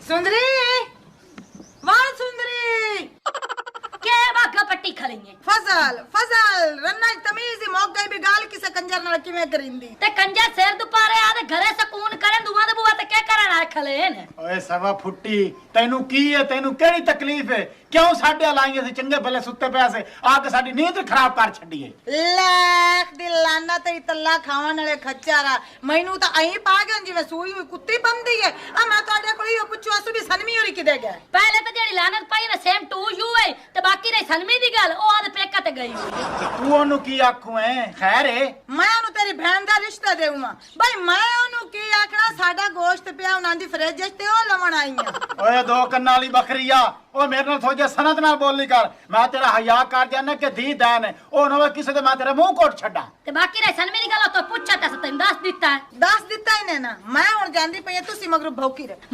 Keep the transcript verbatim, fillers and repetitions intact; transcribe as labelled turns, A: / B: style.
A: सुंदरी वाह सुंदरी
B: के भागा पट्टी खलीए
A: फजल फजल रन्ना तमीज मौक गई भी गाल किसे कंजर नाल किवें करिंदी
B: ते कंजर सिर दुपारे आदे घरे सकून करे दुआ दे बुआ ते क्या करन आए खलेन
C: ਓਏ ਸਵਾ ਫੁੱਟੀ ਤੈਨੂੰ ਕੀ ਹੈ ਤੈਨੂੰ ਕਿਹੜੀ ਤਕਲੀਫ ਹੈ ਕਿਉਂ ਸਾਡੇ ਲਾਈਏ ਸੀ ਚੰਗੇ ਭਲੇ ਸੁੱਤੇ ਪਿਆ ਸੇ ਆ ਕੇ ਸਾਡੀ ਨੀਂਦ ਖਰਾਬ ਕਰ ਛੱਡੀਏ
A: ਲੱਖ ਦੀ ਲਾਨਾ ਤੇਰੀ ਤੱਲਾ ਖਾਣ ਵਾਲੇ ਖੱਚਾਰਾ ਮੈਨੂੰ ਤਾਂ ਐਂ ਪਾ ਗਿਆ ਜਿਵੇਂ ਸੂਈ ਹੋਈ ਕੁੱਤੀ ਬੰਦੀ ਹੈ ਆ ਮੈਂ ਤੁਹਾਡੇ ਕੋਲ ਹੀ ਪੁੱਛੂ ਅਸੂ ਵੀ ਸਨਮੀ ਹੋਰੀ ਕਿਦੇ ਗਿਆ
B: पहले तो जेड़ी लानत पाई ना सेम टू यू है ते बाकी रही सनमी दी गल ओ आदे पेका ते गई
C: ਤੂੰ ਉਹਨੂੰ ਕੀ ਆਖੂ ਐ ਖੈਰ ਏ
A: ਮੈਂ ਉਹਨੂੰ ਤੇਰੀ ਭੈਣ ਦਾ ਰਿਸ਼ਤਾ ਦੇਵਾਂ ਬਈ ਮੈਂ ਉਹਨੂੰ ਕੀ ਆਖਣਾ ਸਾਡਾ ਗੋਸ਼ਤ ਪਿਆ ਉਹਨਾਂ ਦੀ ਫਰਿੱਜ 'ਚ ਤੇ ਉਹ ਲਵਣ ਆਈ ਆ
C: ਓਏ ਦੋ ਕੰਨਾਂ ਵਾਲੀ ਬੱਕਰੀ ਆ ਉਹ ਮੇਰੇ ਨਾਲ ਸੋਜੇ ਸਨਤ ਨਾਲ ਬੋਲੀ ਕਰ ਮੈਂ ਤੇਰਾ ਹਯਾ ਕਰ ਜਾਣਾ ਕਿ ਦੀ दैन ਹੈ ਉਹ ਨਾ ਕਿਸੇ ਦੇ ਮੈਂ ਤੇਰਾ ਮੂੰਹ ਕੋਟ ਛੱਡਾਂ
B: ते बाकी रही सनमी दी गल तो पूछा ता तैਨੂੰ दस दिता है
A: ਦੱਸ ਦਿੱਤਾ ਇਹਨੇ ਨਾ ਮੈਂ ਹੁਣ ਜਾਂਦੀ ਪਈ ਆ, ਤੁਸੀਂ ਮਗਰੋਂ ਭੌਕੀ ਰਹਿ